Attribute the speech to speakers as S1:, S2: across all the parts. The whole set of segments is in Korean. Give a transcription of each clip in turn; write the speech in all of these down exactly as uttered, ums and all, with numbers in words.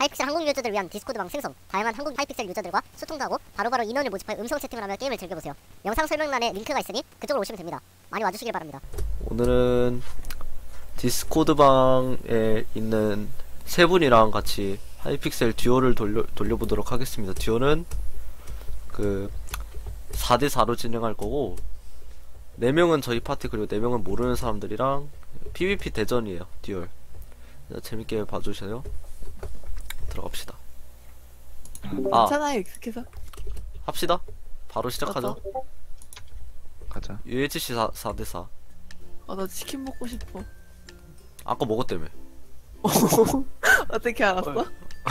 S1: 하이픽셀 한국 유저들을 위한 디스코드방 생성, 다양한 한국 하이픽셀 유저들과 소통도 하고 바로바로 인원을 모집하여 음성 채팅을 하며 게임을 즐겨보세요. 영상 설명란에 링크가 있으니 그쪽으로 오시면 됩니다. 많이 와주시길 바랍니다.
S2: 오늘은 디스코드방에 있는 세 분이랑 같이 하이픽셀 듀오를 돌려, 돌려보도록 하겠습니다. 듀오는 그 사 대 사로 진행할 거고, 네 명은 저희 파티 그리고 네 명은 모르는 사람들이랑 피브이피 대전이에요. 듀얼. 재밌게 봐주세요. 들어갑시다. 아,
S3: 괜찮아요, 익숙해서.
S2: 합시다. 바로 시작하죠.
S3: 어떠?
S4: 가자.
S2: 유에이치씨 사 대 사.
S3: 아, 나 치킨 먹고 싶어.
S2: 아까 먹었다며.
S3: 어떻게 알았어?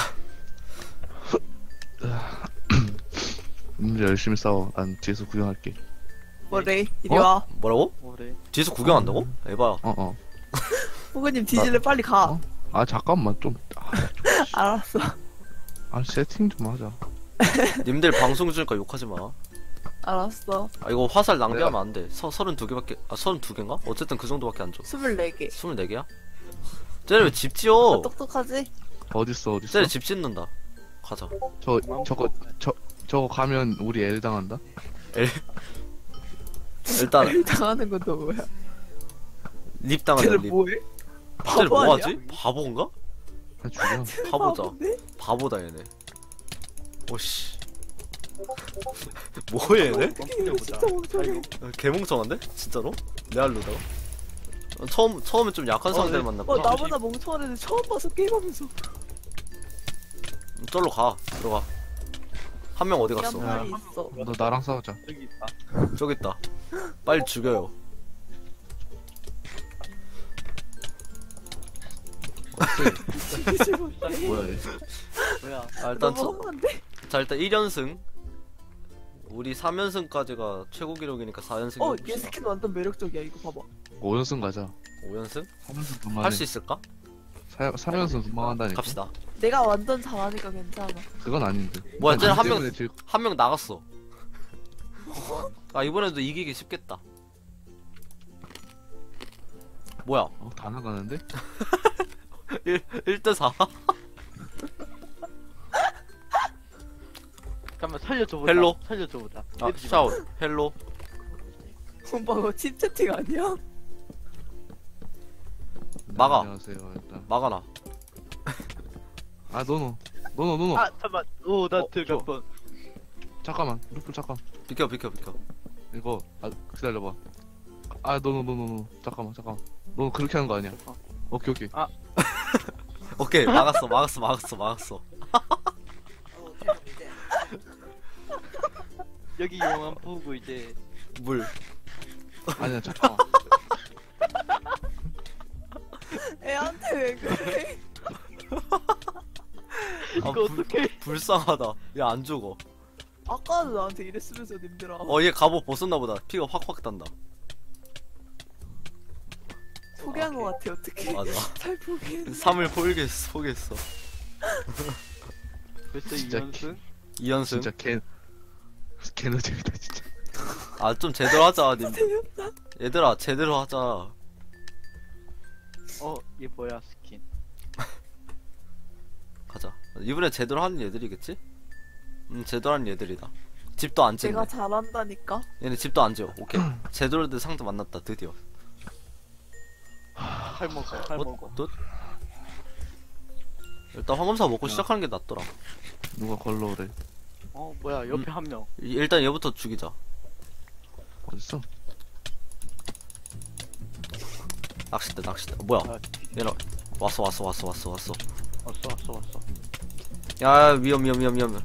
S4: 오늘 열심히 싸워. 난 뒤에서 구경할게.
S3: 뭐래? 이리
S4: 어?
S3: 와.
S2: 뭐라고?
S5: 뭐래?
S2: 뒤에서 구경한다고? 에바야.
S4: 어 어.
S3: 호그님 뒤질래 빨리 가.
S4: 어? 아 잠깐만 좀. 아,
S3: 알았어.
S4: 아 세팅 좀 하자.
S2: 님들 방송 중이니까 욕하지 마.
S3: 알았어.
S2: 아 이거 화살 낭비하면 안 돼. 서 서른두 개밖에 아 서른두 개인가? 어쨌든 그 정도밖에 안 줘.
S3: 스물네 개.
S2: 스물네 개야? 쟤네 왜 집 지어?
S3: 아, 똑똑하지?
S4: 어딨어 어딨어?
S2: 쟤네 집 짓는다. 가자.
S4: 저 저거 저 저거 가면 우리 엘 당한다.
S2: 일단
S3: 일 당하는 건 또 뭐야?
S2: 립 당하자
S3: 쟤는
S2: 립.
S3: 뭐해?
S2: 쟤네
S3: 바보
S2: 뭐하지?
S3: 아니야?
S2: 바보인가?
S4: 나 죽여.
S2: 바보자.
S3: 바본데?
S2: 바보다 얘네. 오씨. 뭐해 얘네?
S3: 이거 진짜 멍청해.
S2: 개멍청한데? 진짜로? 레알로다가? 어, 처음 처음에 좀 약한 상대를
S3: 어,
S2: 만났구나.
S3: 나보다 멍청한 애들 처음 봐서 게임하면서.
S2: 쫄로 가. 들어가. 한 명 어디 갔어?
S3: 양말이 있어.
S4: 너 나랑 싸우자.
S5: 여기 있다.
S2: 저기 있다. 빨리 죽여요.
S4: 뭐야 얘?
S5: 뭐야?
S2: 아, 일단
S3: 너무
S2: 저,
S3: 험한데?
S2: 자 일단 일 연승. 우리 삼 연승까지가 최고 기록이니까 사 연승
S3: 어,
S2: 해봅시다.
S3: 얘 스킨 완전 매력적이야. 이거 봐봐.
S4: 오 연승 가자.
S2: 오 연승?
S4: 삼 연승 금방
S2: 할 수 있을까?
S4: 삼 연승 금방 한다니까.
S2: 갑시다.
S3: 내가 완전 잘하니까 괜찮아.
S4: 그건 아닌데.
S2: 뭐야, 쟤는 한
S4: 때문에
S2: 명-
S4: 질-
S2: 한 명 나갔어. 아 이번에도 이기기 쉽겠다. 뭐야?
S4: 어, 다 나가는데?
S2: 일 대 사?
S5: 잠깐만 살려줘보자.
S2: 헬로?
S5: 살려줘보자.
S2: 아 샤오 헬로.
S3: 오빠 그거 칩 채팅 아니야?
S4: 네,
S2: 막아.
S4: 안녕하세요 일단.
S2: 막아놔.
S4: 아 노노 노노 노노.
S5: 아 잠깐만. 오나
S2: 어,
S5: 들어갈
S2: 좋아.
S5: 뻔.
S4: 잠깐만 루플 잠깐.
S2: 비켜 비켜 비켜.
S4: 이거 아 기다려봐. 아 노노 노노 노. 잠깐만 잠깐만. 너 그렇게 하는 거 아니야? 오케이 오케이.
S2: 오케이 막았어 막았어 막았어 막았어.
S5: 여기 영화 보고 이제
S2: 물.
S4: 아니야 잠깐만.
S3: 애한테 왜 그래?
S2: 아,
S5: 이거
S2: 불-
S5: 어떡해?
S2: 불쌍하다. 얘 안 죽어.
S3: 아까도 나한테 이랬으면서 님들아.
S2: 어 얘 갑옷 벗었나 보다. 피가 확확 단다.
S3: 포기한 거 같아. 어떻게?
S2: 맞아.
S3: 잘 포기했네.
S2: 삼을 포기했어 포기했어.
S5: 벌써
S4: 진짜
S5: 이 연승?
S2: 이 연승.
S4: 진짜 개 개노잼이다 진짜.
S2: 아 좀 제대로 하자 님.
S3: 재밌다.
S2: 얘들아 제대로 하자.
S5: 어, 얘 뭐야 스킨?
S2: 가자. 이번에 제대로 하는 얘들이겠지? 음 제대로 하는 얘들이다. 집도 안 찍네.
S3: 내가 잘한다니까.
S2: 얘네 집도 안 지어. 오케이. 제대로 된 상대 만났다 드디어.
S5: 칼 먹어, 칼
S2: 어?
S5: 먹어.
S2: 또? 일단 황금사 먹고
S4: 야.
S2: 시작하는 게 낫더라.
S4: 누가 걸러오래?
S5: 어, 뭐야 옆에
S2: 음.
S5: 한 명.
S2: 이- 일단 얘부터 죽이자.
S4: 어딨어?
S2: 낚싯대 낚싯대. 어, 뭐야?
S5: 아,
S2: 얘는 왔어 왔어 왔어 왔어 왔어.
S5: 왔어, 왔어, 왔어.
S2: 야 위험 위험 위험 위험.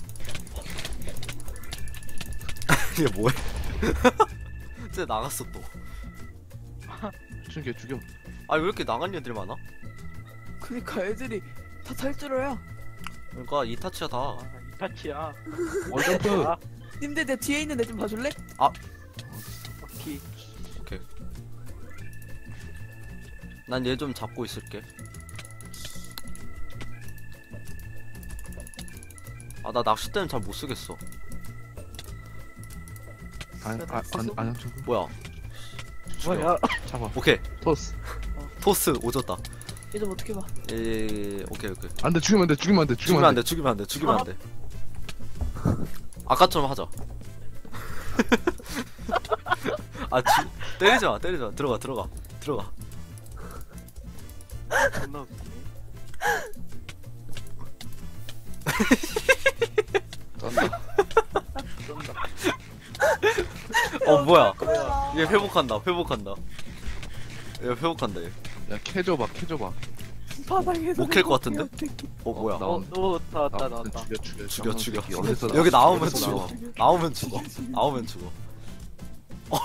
S2: 얘 뭐해? 쟤 나갔어 또.
S4: 죽여 죽여.
S2: 아 왜 이렇게 나간 애들이 많아?
S3: 그니까 애들이 다 탈줄어야.
S2: 그러니까 이타치야 다.
S5: 아, 이타치야.
S4: 어 점프.
S5: 아,
S3: 님들 내 뒤에 있는 애 좀 봐줄래?
S5: 오케이.
S2: 오케이. 난 얘 좀 잡고 있을게. 아 나 낚싯대는 잘 못 쓰겠어.
S4: 아아 안녕 저거.
S2: 뭐야? 죽여.
S5: 뭐야?
S4: 잡아.
S2: 오케이.
S4: 토스.
S2: 토스 오졌다.
S3: 얘 좀 어떻게 봐.
S2: 예, 오케이 오케이.
S4: 안돼 죽이면 안돼 죽이면 안돼
S2: 죽이면 안 돼, 죽이면 안 돼, 죽이면 안 돼. 아까처럼 하자. 아, 지, 때리지 마, 때리지 마. 들어가, 들어가, 들어가.
S5: 존나 웃기네.
S4: 쩐다.
S5: 쏜다.
S2: 어, 뭐야?
S3: 거야.
S2: 얘 회복한다, 회복한다. 얘 회복한다, 얘.
S4: 야 캐줘봐 캐줘봐.
S3: 바닥에서.
S2: 못캘것 같은데?
S3: 어떡해.
S2: 어, 뭐야?
S4: 나-
S5: 어, 너 나왔다,
S4: 나
S5: 나왔다.
S4: 죽여 죽여
S2: 죽여, 죽여.
S4: 새끼. 어디서
S2: 여기
S4: 나와?
S2: 나오면
S4: 어디서
S2: 죽어.
S4: 나와?
S2: 나오면 죽어. 나오면 죽어. 어.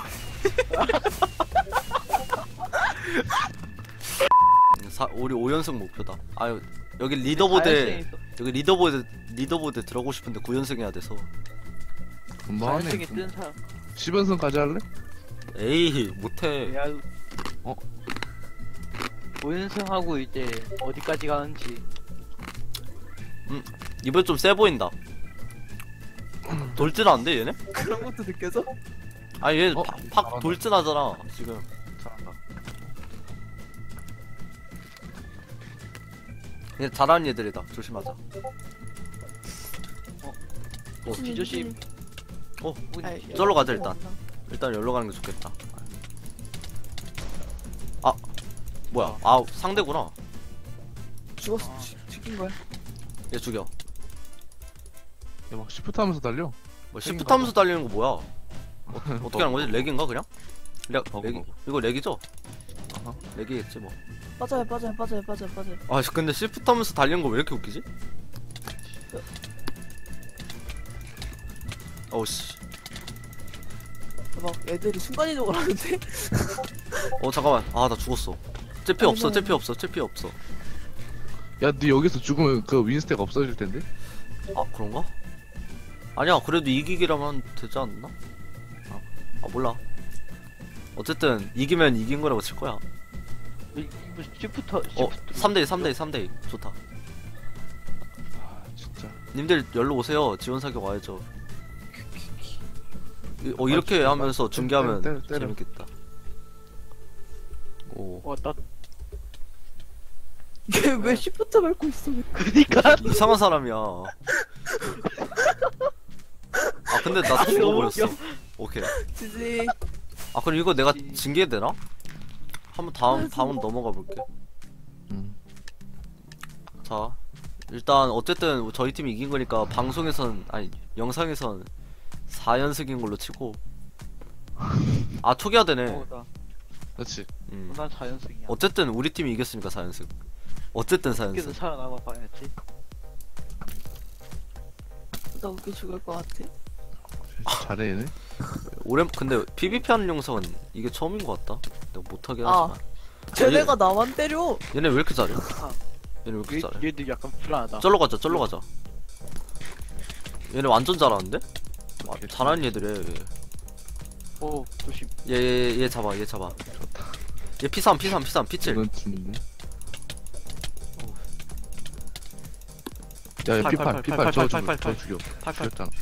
S2: 사, 우리 오 연승 목표다. 아유, 여기 리더보드에, 여기 리더보드, 리더보드에 들어가고 싶은데 구 연승 해야 돼서.
S4: 금방 하네.
S5: 자연승에 뜬 사람.
S4: 십 연승까지 할래?
S2: 에이, 못해.
S5: 야,
S4: 어?
S5: 오연승하고 이제 어디까지 가는지.
S2: 이번에 좀 세 보인다. 돌진하는데, 얘네?
S3: 그런 것도 느껴져?
S2: 아니, 얘
S4: 어?
S2: 팍, 팍
S4: 잘한다.
S2: 돌진하잖아, 지금.
S4: 잘한다.
S2: 얘 잘하는 얘들이다. 조심하자.
S5: 어, 뒤조심.
S2: 어,
S3: 아이,
S2: 저로 가자, 일단. 일단 여기로 가는 게 좋겠다. 아, 뭐야? 아, 상대구나.
S3: 죽었어. 죽- 죽인 거야.
S2: 얘 죽여.
S4: 야막 시프트 하면서 달려.
S2: 뭐 시프트 하면서 달리는 거 뭐야? 어, 어떻게 하는 거지? 렉인가 그냥? 렉,
S4: 버그,
S2: 렉이,
S4: 버그.
S2: 이거 렉이죠?
S4: 아하.
S2: 렉이겠지 뭐.
S3: 빠져요, 빠져요, 빠져요, 빠져요, 빠져요.
S2: 아, 근데 시프트 하면서 달리는 거 왜 이렇게 웃기지? 어우씨.
S3: 막 애들이 순간이동을 하는데?
S2: 어, 잠깐만. 아, 나 죽었어. 쟤피
S3: 아이고,
S2: 없어,
S3: 아이고.
S2: 쟤피 없어, 쟤피 없어.
S4: 야 너 여기서 죽으면 그 윈스택 없어질 텐데.
S2: 아, 그런가? 아니야, 그래도 이기기라면 되지 않나? 아, 아 몰라. 어쨌든, 이기면 이긴 거라고 칠 거야.
S5: 이- 이거 시프터,
S2: 어,
S5: 시프터.
S2: 삼 대 이, 삼 대 이, 삼 대 이. 좋다.
S4: 아 진짜.
S2: 님들 열로 오세요. 지원 사격 와야죠. 이- 어 이렇게
S4: 아,
S2: 하면서
S4: 때려,
S2: 중계하면
S4: 때려, 때려.
S2: 재밌겠다. 오
S5: 어, 나,
S3: 얘 왜 시프트 밟고 있어?
S5: 그니까.
S2: 이상한 사람이야. 아 근데 나 죽어버렸어. 오케이.
S3: 지지.
S2: 아 그럼 이거 내가 징계 되나? 한번 다음 다음 넘어가 볼게.
S4: 음.
S2: 자 일단 어쨌든 저희 팀이 이긴 거니까 방송에선 아니 영상에선 사 연승인 걸로 치고. 아 초기화 되네.
S5: 어, 나,
S4: 그렇지.
S2: 음.
S5: 난 사 연승이야.
S2: 어쨌든 우리 팀이 이겼으니까 사 연승. 어쨌든 사
S5: 어떻게든
S2: 연승.
S5: 살아남아 봐야지.
S3: 나 웃겨 죽을 것 같아.
S4: 잘해 얘네.
S2: 오랜 근데 피브이피 하는 영상은 이게 처음인 것 같다. 내가 못하긴
S3: 아.
S2: 하지만.
S3: 쟤네가 나만 때려.
S2: 얘네 왜 이렇게 잘해?
S5: 아.
S2: 얘네 왜 이렇게
S5: 얘,
S2: 잘해?
S5: 얘도 약간 불안하다.
S2: 쩔러 가자, 쩔러 가자. 얘네 완전 잘하는데? 아,
S4: 오케이.
S2: 잘하는 얘들이야.
S5: 오, 조심.
S2: 얘, 얘, 얘 잡아, 얘 잡아. 얘 피 삼, 피 삼, 피 삼, 피 칠.
S4: 이건 죽는데. 야,
S2: 팔,
S4: 피팔,
S2: 팔,
S4: 피팔,
S2: 팔,
S4: 저
S2: 팔,
S4: 죽여,
S2: 팔,
S4: 저
S2: 팔.
S4: 죽여.
S2: 팔, 팔.
S4: 죽였잖아.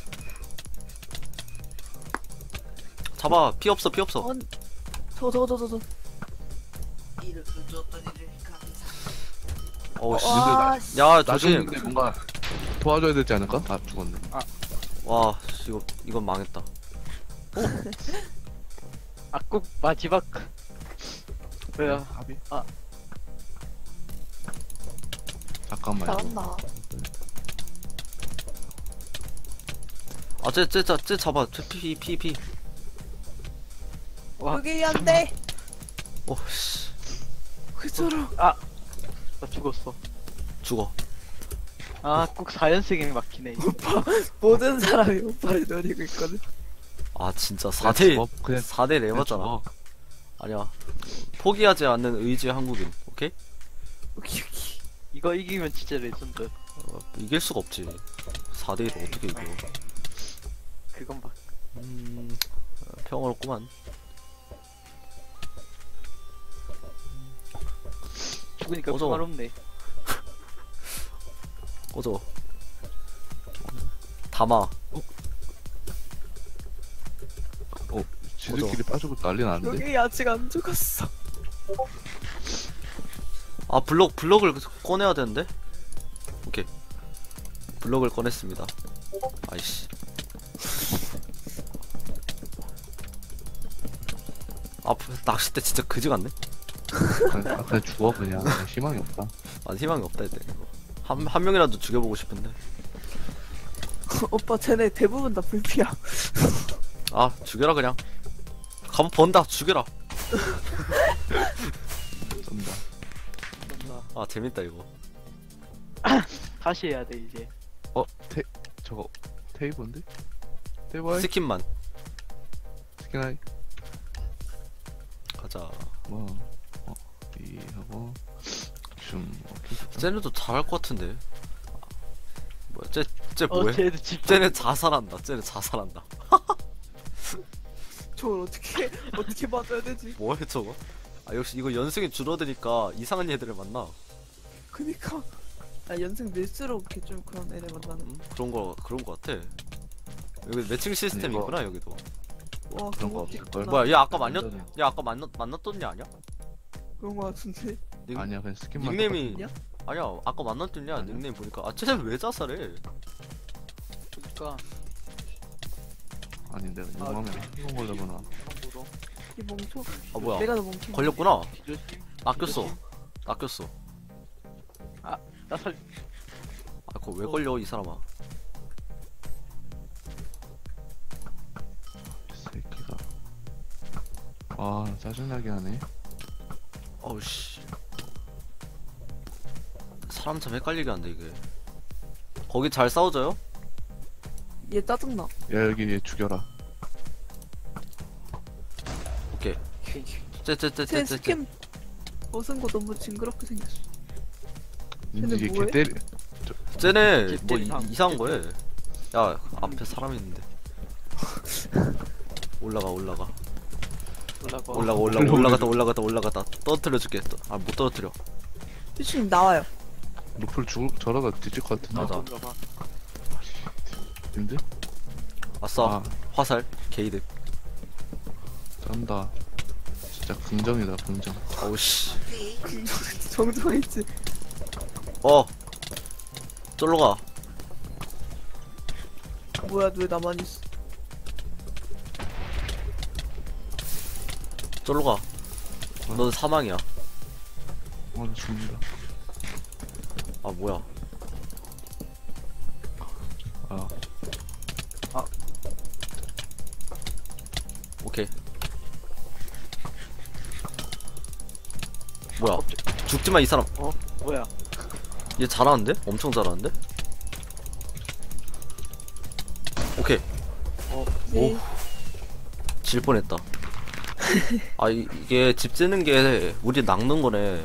S2: 잡아, 피 없어, 피 없어.
S3: 어, 저거 저거 저거 저거.
S2: 어우, 씨.
S3: 와, 씨.
S2: 야,
S4: 나
S2: 조심.
S4: 죽는데 뭔가 도와줘야 되지 않을까? 아, 죽었네.
S2: 와, 씨, 이거, 이건 망했다.
S5: 아, 꼭 마지막. 왜요?
S4: 합의?
S5: 아.
S4: 잠깐만. 이거.
S3: 잘한다.
S2: 아, 쟤, 쟤, 쟤, 쟤 잡아. 쟤 피, 피, 피.
S5: 와,
S3: 여기 안 돼.
S2: 어, 씨.
S3: 왜 저러?
S5: 나 죽었어.
S2: 죽어.
S5: 아, 꼭 사 연승에 막히네.
S3: 모든 사람이 오빠를 노리고 있거든.
S2: 아, 진짜
S4: 그냥
S2: 사 대,
S4: 죽어. 그냥
S2: 사 대
S4: 그냥
S2: 레버잖아.
S4: 죽어.
S2: 아니야. 포기하지 않는 의지의 한국인. 오케이?
S3: 오케이 오케이.
S5: 이거 이기면 진짜 레전드.
S2: 어, 이길 수가 없지. 사 대 일을 어떻게 이겨.
S5: 그건 막.
S2: 음, 어, 평화롭구만.
S5: 죽으니까
S2: 꺼져.
S5: 평화롭네.
S2: 꺼져. 담아.
S4: 어, 지들끼리 빠지고 난리 났는데.
S3: 여기 아직 안 죽었어.
S2: 아 블럭 블럭을 꺼내야 되는데. 오케이. 블럭을 꺼냈습니다. 아이씨. 아 낚싯대 진짜 그지 같네.
S4: 아, 그냥 죽어 그냥. 그냥 희망이 없다.
S2: 아 희망이 없다 이때. 한, 한 명이라도 죽여보고 싶은데.
S3: 오빠 쟤네 대부분 다 불피야.
S2: 아 죽여라 그냥. 가만 번다 죽여라.
S4: 쩐다.
S2: 아 재밌다 이거.
S5: 다시 해야 돼 이제.
S4: 어? 테 저거 테이블인데? 테이블?
S2: 스킨만
S4: 스킨 하이.
S2: 가자.
S4: 뭐? 어? 이 하고 좀 오케이.
S2: 쟤네도 잘할 것 같은데. 뭐야 쟤쟤
S5: 어
S2: 뭐해?
S5: 쟤도 집.
S2: 쟤네 자살한다. 쟤네 자살한다.
S3: 저걸 어떻게 어떻게 맞아야 되지?
S2: 뭐해 저거? 아 역시 이거 연승이 줄어드니까 이상한 애들을 만나.
S3: 그니까 아 연승 밀수록 이렇게 좀 그런 애들 만나는.
S2: 음, 그런 거 그런 거 같아. 여기 매칭 시스템
S4: 이거-
S2: 있구나 여기도.
S3: 와
S4: 그런
S3: 그런
S4: 거
S3: 거
S4: 없을걸?
S3: 있구나.
S2: 뭐야 얘 아까 만났
S4: 완전히.
S2: 얘 아까 만났 만났던 애 아니야?
S3: 그런 거 같은데.
S2: 닉,
S4: 아니야 그냥 스킨만.
S2: 닉네임이
S3: 똑같은데요?
S2: 아니야 아까 만났던 애
S4: 아니야?
S2: 닉네임 보니까 아 쟤는 왜 자살해?
S5: 그러니까
S4: 아니 내가 이거
S5: 아,
S4: 하면 성공 걸려구나.
S5: 참고로.
S3: 이 멍청.
S2: 아 뭐야
S3: 내가 더 멍청.
S2: 걸렸구나.
S5: 뒤조심.
S2: 낚였어. 낚였어.
S5: 나 살.
S2: 아 그거 왜 걸려 이 사람아?
S4: 이 새끼가. 아 짜증나게 하네.
S2: 어우 씨. 사람 참 헷갈리게 한데 이게. 거기 잘 싸워져요?
S3: 얘 짜증나.
S4: 야 여기 얘 죽여라.
S2: 오케이.
S3: 쟤
S2: 쟤쟤쟤쟤쟤.
S3: 스킨 벗은 거 너무 징그럽게 생겼어.
S4: 닌지
S3: 쟤네
S4: 이게
S3: 뭐해?
S4: 개 때리.
S2: 쟤네 뭐 이,
S5: 뒷대리상.
S2: 이상한 거해. 야 앞에 사람 있는데. 올라가 올라가
S5: 올라가.
S2: 올라가 올라가 올라갔다 올라갔다 올라갔다 떨어뜨려줄게. 아못 떨어뜨려.
S3: 피슈님 나와요.
S4: 루플 죽을 저러다 뒤질 것 같은데.
S2: 맞아.
S5: 올라가.
S4: 근데?
S2: 아싸
S4: 아
S2: 화살 게이드.
S4: 쩐다. 진짜 긍정이다 긍정.
S2: 어우 씨.
S3: 정정했지.
S2: 어. 쫄로 가.
S3: 뭐야 왜 나만 있어?
S2: 쫄로 가. 넌 사망이야.
S4: 어 죽는다.
S2: 아 뭐야?
S4: 아
S2: 오케이. 뭐야? 죽지마 이 사람.
S5: 어 뭐야?
S2: 얘 잘하는데? 엄청 잘하는데? 오케이.
S3: 네.
S2: 질 뻔했다. 아 이, 이게 집 짓는 게 우리 낚는 거네.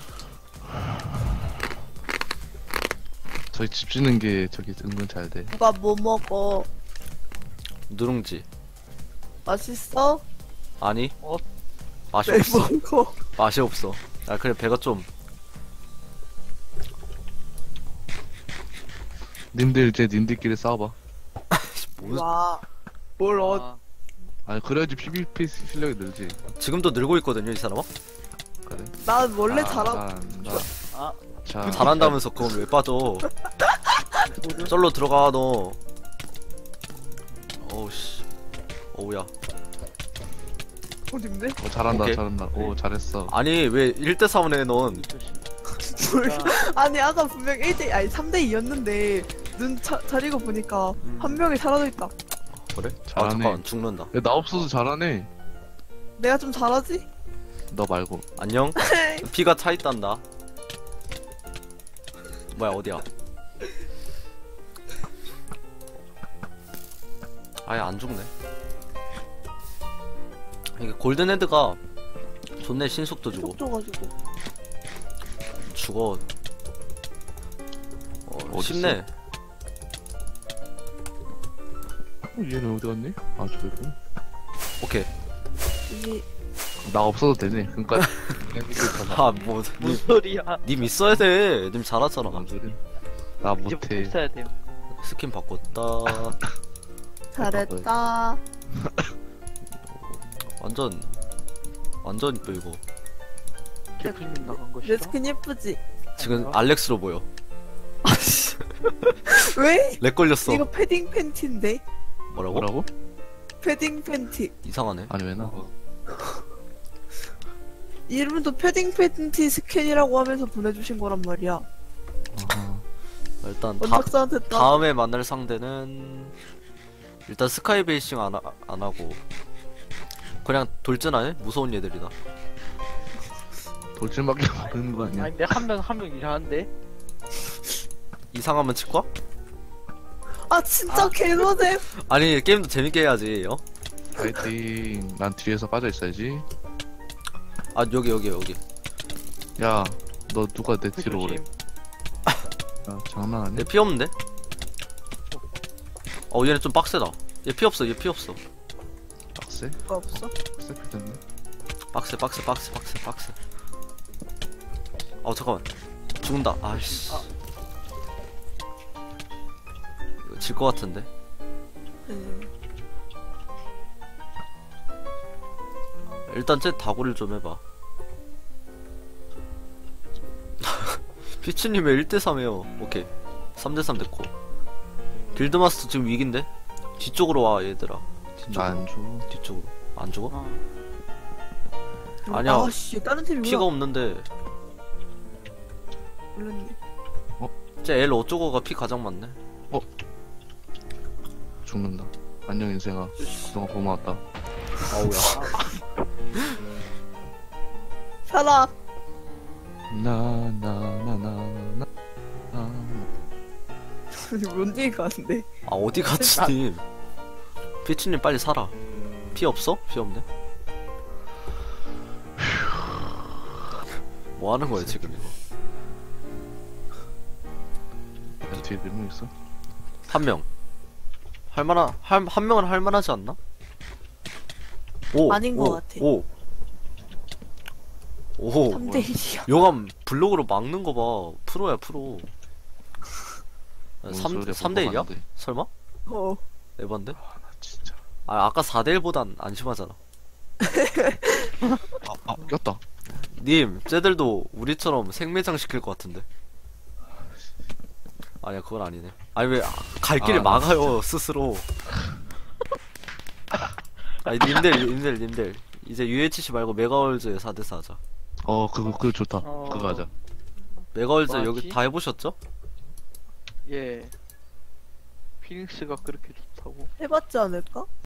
S4: 저희 집 짓는 게 저기 은근 잘 돼.
S3: 누가 뭐 먹어?
S2: 누룽지.
S3: 맛있어?
S2: 아니?
S5: 어?
S2: 맛이
S3: 왜
S2: 없어.
S3: 먹어?
S2: 맛이 없어. 아 그래 배가 좀.
S4: 님들 이제 님들끼리 싸워봐.
S2: 뭐,
S3: 와. 뭘 어?
S5: 아,
S4: 아니 그래야지 피비피 실력이 늘지.
S2: 지금도 늘고 있거든요 이 사람아.
S4: 그래.
S3: 난 원래
S4: 아,
S3: 잘하고.
S4: 잘한다.
S5: 아.
S4: 자,
S2: 잘한다면서 그건 왜 빠져? 쩔로 들어가 너. 어우 씨. 어우야.
S3: 어딘데?
S4: 어, 잘한다
S2: 오케이.
S4: 잘한다. 오 잘했어.
S2: 아니 왜 일 대 삼을 해 넌?
S3: 뭘? 아니 아까 분명 일 대 아니 삼 대 이였는데 눈 차, 차리고 보니까
S2: 음.
S3: 한 명이 사라져 있다.
S2: 그래? 아
S4: 잘하네.
S2: 잠깐 죽는다.
S4: 야, 나 없어도 잘하네.
S3: 내가 좀 잘하지?
S4: 너 말고.
S2: 안녕? 피가 차 있단다. 뭐야 어디야? 아예 안 죽네. 이게 골든 헤드가 존내 신속도 주고
S3: 속 줘가지고.
S2: 죽어. 어,
S4: 어딨어?
S2: 쉽네.
S4: 어, 얘는 어디 갔니? 아 저기 있구나.
S2: 오케이.
S3: 이게
S4: 나 없어도 되네. 그러니까 그냥 이렇게 가봐.
S2: 아 뭐 님,
S5: 무슨 소리야?
S2: 님 있어야 돼. 님 잘하잖아.
S4: 뭔 소리? 나
S5: 이제
S4: 못해.
S5: 못 써야 돼요.
S2: 스킨 바꿨다.
S5: 대표님 나간 것이다.
S3: 내 스킨 예쁘지?
S2: 지금 알렉스로 보여.
S3: 왜?
S2: 렉 걸렸어.
S3: 이거 패딩 팬티인데?
S2: 뭐라고?
S4: 뭐라고?
S3: 패딩 팬티.
S2: 이상하네.
S4: 아니 왜 나?
S3: 이름도 패딩 팬티 스캔이라고 하면서 보내주신 거란 말이야.
S4: 아하.
S2: 일단 다,
S3: 원작자한테 따.
S2: 다음에 만날 상대는 일단 스카이 베이싱 안, 하, 안 하고 그냥 돌진하네? 무서운 얘들이다.
S4: 돌진밖에 모르는 거 아니야?
S5: 아니 근데 한 명 한 명 이상한데?
S2: 이상하면 치과?
S3: 아 진짜
S5: 아.
S3: 개노잼.
S2: 아니 게임도 재밌게 해야지. 어?
S4: 파이팅. 난 뒤에서 빠져 있어야지.
S2: 아 여기 여기 여기.
S4: 야, 너 누가 내 뒤로 오래?
S5: 조심.
S4: 야, 장난 아니야?
S2: 얘 피 없는데? 어 얘네 좀 빡세다. 얘 피 없어 얘 피 없어.
S4: 빡세?
S3: 거 없어?
S4: 빡세 됐네.
S2: 빡세 빡세 빡세 빡세 빡세. 어 잠깐만 죽는다. 아이씨.
S5: 아.
S2: 이거 질 것 같은데.
S3: 음.
S2: 일단 쟤 다구를 좀 해봐. 피치님의 일 대 삼이에요. 오케이. 삼 대 삼 됐고. 길드마스터 지금 위기인데? 뒤쪽으로 와 얘들아. 뒤쪽으로.
S4: 나안 줘.
S2: 뒤쪽으로. 안 죽어?
S5: 어.
S2: 아니야.
S3: 아씨 다른 팀이구나.
S2: 피가 없는데.
S3: 몰랐네.
S2: 쟤 L 어쩌고가 피 가장 많네.
S4: 죽는다. 안녕 인생아. 그동안 고마웠다.
S2: 아우야.
S3: 살아.
S4: 나 나 나 나 나.
S3: 뭔 얘기 가는데?
S2: 아 어디 갔지 님? 피치님 빨리 살아. 피 없어? 피 없네. 뭐 하는 거야 지금 이거?
S4: 야, 뒤에 몇 명 있어?
S2: 한 명. 할만한 한, 한 명은 할만하지 않나? 오
S3: 아닌
S2: 오,
S3: 것 같아.
S2: 오. 오.
S3: 삼 대 일이야.
S2: 용암 블록으로 막는 거 봐. 프로야 프로.
S4: 뭔
S2: 삼
S4: 소리야,
S2: 삼 대 일이야?
S4: 뻔뻔한데.
S2: 설마?
S3: 어.
S2: 에반데?
S4: 아, 나 진짜.
S2: 아 아까 사 대 일보단 안심하잖아.
S4: 아, 아, 꼈다.
S2: 님, 쟤들도 우리처럼 생매장 시킬 것 같은데. 아니야, 그건 아니네. 아니 왜 갈 길을
S4: 아,
S2: 막아요 스스로. 아니 님들, 님들, 님들. 이제 유에이치씨 말고 메가월즈 사 대 사 하자.
S4: 어, 그거 그거 좋다.
S5: 어.
S4: 그거 하자.
S2: 메가월즈
S5: 뭐하지?
S2: 여기 다 해보셨죠?
S5: 예. 피닉스가 그렇게 좋다고.
S3: 해봤지 않을까?